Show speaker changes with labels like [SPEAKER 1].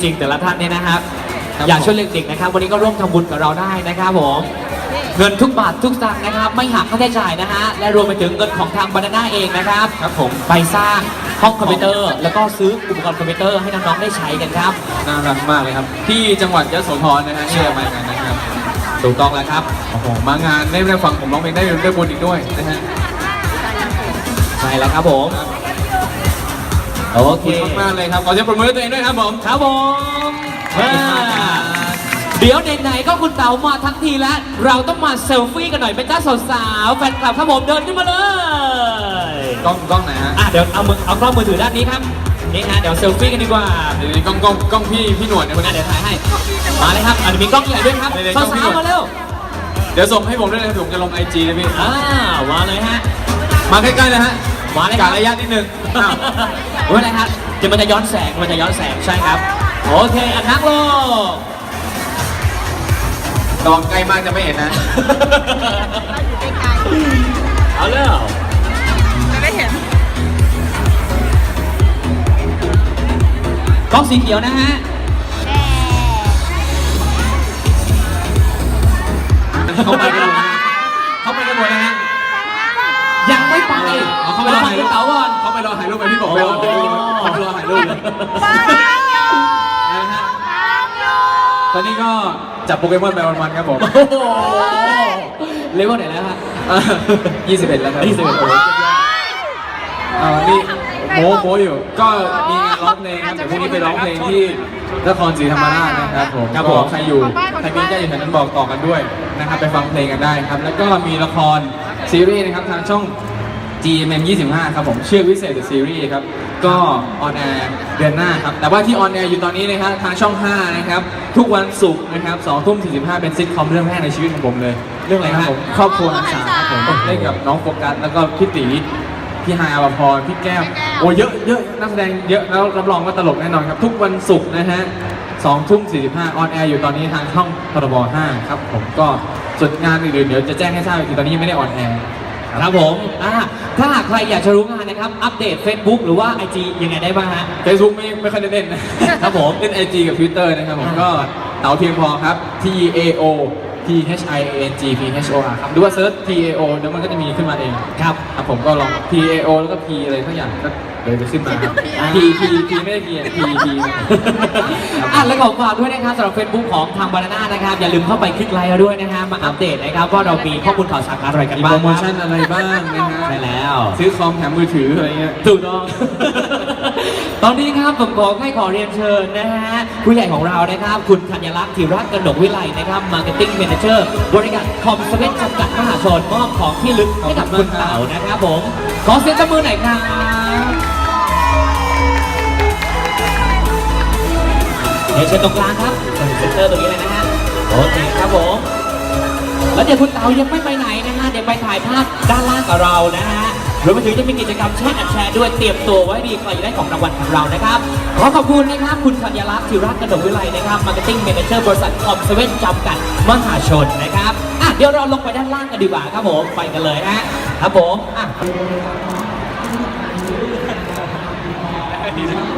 [SPEAKER 1] ริงๆแต่ละท่านเนี่ยนะครับอยากช่วยเด็กๆนะครับวันนี้ก็ร่วมทำบุญกับเราได้นะครับผมเงินทุกบาททุกสตางค์นะครับไม่หักค่าใช้จ่ายนะฮะและรวมไปถึงเงินของทางบานาน่าเองนะครับ
[SPEAKER 2] ครับผม
[SPEAKER 1] ไปสร้างห้องคอมพิวเตอร์แล้วก็ซื้ออุปกรณ์คอมพิวเตอร์ให้น้องๆได้ใช้กันครับ
[SPEAKER 2] น่ารักมากเลยครับที่จังหวัดยโสธรนะฮะที่เรามางานนะครับ
[SPEAKER 1] ถูกต้องแล้วครับ
[SPEAKER 2] โอ้โหมางานได้ฟังผมร้องเพลงได้บุญอีกด้วยนะฮะ
[SPEAKER 1] ใช่แล้วครับผมโอเค
[SPEAKER 2] ขอบคุณมากเลยครับขอเสียงปรบมือให้ตัวเองด้วยครับผม
[SPEAKER 1] ครับผมเดี๋ยวไหนๆก็คุณเต๋ามาทั้งทีแล้วเราต้องมาเซลฟี่กันหน่อยเป็นจ้าสาวๆแฟนคลับครับผมเดินขึ้นมาเลย
[SPEAKER 2] กล้องไหนฮะ
[SPEAKER 1] เดี๋ยวเอากล้องมือถือด้านนี้ครับนี่ฮะเดี๋ยวเซลฟี่กันดีกว่า
[SPEAKER 2] เดี๋ยวกล้องพี่หนวดเนี่ยคนนี้
[SPEAKER 1] เดี๋ยวถ่ายให้มาเลยครับมีกล้องใหญ่ด้วยครับสาวๆมาเร็ว
[SPEAKER 2] เดี๋ยวส่งให้ผมด้วยนะผมจะลง IG นะพี่
[SPEAKER 1] มาเลยฮะ
[SPEAKER 2] มาใกล้ๆเลยฮะ
[SPEAKER 1] มาเลย
[SPEAKER 2] การระยะนิดนึง
[SPEAKER 1] ว่าอะไรครับมันจะย้อนแสงใช่ครับโอเคนักโลก
[SPEAKER 2] ลองใกล้มากจะไม่เห็นนะ
[SPEAKER 1] เอาเลย
[SPEAKER 3] จะไม่เห็น
[SPEAKER 1] กล้องสีเขียวนะฮะเข้าไปกันหมดนะฮะยังไม่ไป
[SPEAKER 2] เขาไปรอถ่ายรูป
[SPEAKER 1] เต๋าก่อน
[SPEAKER 2] เขาไปรอถ่ายรูปไปพี่บอกไปรอเขาไปรอถ่ายรูปตอนนี้ก็จับโปเกมอนไปวันๆครับผม
[SPEAKER 1] เลเวลไหนแล้วฮะ
[SPEAKER 2] 21แล้วครับ
[SPEAKER 1] 21โอ้
[SPEAKER 2] นี่โมอยู่ก็มีงานร้องเพลงครับเดี๋ยวพรุ่งนี้ไปร้องเพลงที่นครศรีธรรมราชนะครับผมใครมีญาติอยู่แถวนั้นบอกต่อกันด้วยนะครับไปฟังเพลงกันได้ครับแล้วก็มีละครซีรีส์นะครับทางช่อง GMM 25ครับผมชื่อวิเศษ The Series ครับก็ออนแอร์เดือนหน้าครับแต่ว่าที่ออนแอร์อยู่ตอนนี้นะครับทางช่อง5นะครับทุกวันศุกร์นะครับ20:45เป็นซิทคอมเรื่องแรกในชีวิตของผมเลยเรื่องอะไรครับผมครอบครัวหันษาครับผมเล่นกับน้องโฟกัสแล้วก็พี่ตีพี่ฮายอภพรพี่แก้วโอ้เยอะนักแสดงเยอะแล้วรับรองว่าตลกแน่นอนครับทุกวันศุกร์นะฮะ20:45ออนแอร์อยู่ตอนนี้ทางช่องพรบ5ครับผมก็ส่วนงานอื่นๆเดี๋ยวจะแจ้งให้ทราบอีกทีตอนนี้ยังไม่ได้ออนแอร์
[SPEAKER 1] ครับผมถ้าหากใครอยากจะรู้งานนะครับอัปเดต Facebook หรือว่า IG ยังไงได้บ้างฮะ
[SPEAKER 2] Facebook ไม่ค่อยได้เล่นนะครับผมเล่น IG กับ Twitter นะครับผมก็เต๋าเพียงพอครับ TAOPHIANGPHOR ครับหรือว่าเซิร์ช TAO เดี๋ยวมันก็จะมีขึ้นมาเองครับผมก็ลอง TAO แล้วก็ P อะไรทั้งอย่างก็เลยจะขึ้นมาครับ P ไม่ได้ P
[SPEAKER 1] และขอฝากด้วยนะครับสำหรับ Facebook ของทางบานาน่านะครับอย่าลืมเข้าไปคลิกไลค์ด้วยนะฮะมาอัปเดตนะครับว่าเรามีข้อมูลข่าวสารอะไรกันบ้าง
[SPEAKER 2] โปรโมชั่นอะไรบ้างนะฮะ
[SPEAKER 1] ใช่แล้ว
[SPEAKER 2] ซื้อคอมแถมมือถืออะไรเงี้ย
[SPEAKER 1] ถูกต้องตอนนี้ครับผมขอเรียนเชิญนะฮะผู้ใหญ่ของเรานะครับคุณธัญลักษณ์ธีรกนกวิไลนะครับ Marketing Manager บริการคอมเซเว่นจำกัดมหาชนมอบของที่ลึกให้กับคุณเต๋านะครับผมขอเสียงตบมือหน่อยครับเชิญตรงกลางครับเซ็นเตอร์ตรงนี้เลยนะฮะโอเคครับผมแล้วเดี๋ยวคุณเต๋ายังไม่ไปไหนนะฮะเดี๋ยวไปถ่ายภาพด้านล่างกับเรานะฮะรวมไปถึงจะมีกิจกรรมแชร์ด้วยเตรียมตัวไว้ดีใครจะได้ของรางวัลของเรานะครับขอขอบคุณนะครับคุณธัญลักษณ์ธีรกนกวิไลนะครับ Marketing Manager บริษัทคอมเซเว่นจำกัดมหาชนนะครับเดี๋ยวเราลงไปด้านล่างกันดีกว่าครับผมไปกันเลยนะครับผม